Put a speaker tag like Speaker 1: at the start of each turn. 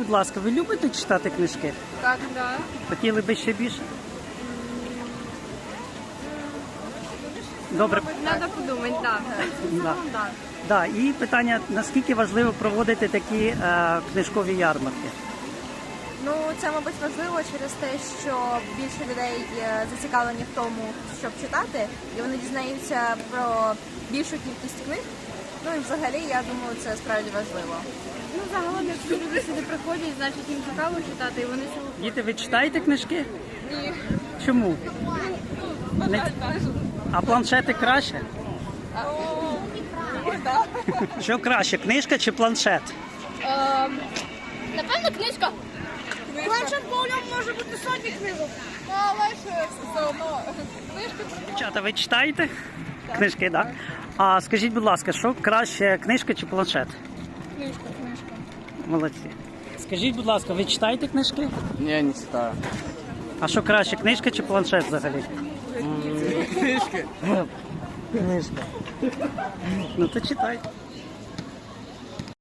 Speaker 1: будь ласка, ви любите читати книжки?
Speaker 2: Так, да.
Speaker 1: Хотіли би ще більше? Добре.
Speaker 2: Треба подумати, так.
Speaker 1: Да. Да. І питання, наскільки важливо проводити такі книжкові ярмарки?
Speaker 3: Ну, це, мабуть, важливо через те, що більше людей зацікавлені в тому, щоб читати, і вони дізнаються про більшу кількість книг. Ну і взагалі, я думаю, це справді важливо.
Speaker 2: Ну, загалом, якщо люди сюди приходять, значить їм цікаво читати, і вони цього...
Speaker 1: Діти, ви читаєте книжки?
Speaker 2: Ні.
Speaker 1: Чому? Не... А планшети краще? Що краще, книжка чи планшет?
Speaker 2: Напевно, книжка.
Speaker 3: Планшет, бо у ньому може бути сотні книжок.
Speaker 2: Але ж все одно. Книжка.
Speaker 1: Дівчата, ви читаєте? Книжки, так? А скажіть, будь ласка, що краще, книжка чи планшет?
Speaker 2: Книжка.
Speaker 1: Молодці. Скажіть, будь ласка, ви читаєте книжки?
Speaker 4: Ні, не читаю.
Speaker 1: А що краще, книжка чи планшет взагалі?
Speaker 4: Книжки.
Speaker 1: Книжка. Ну то читай.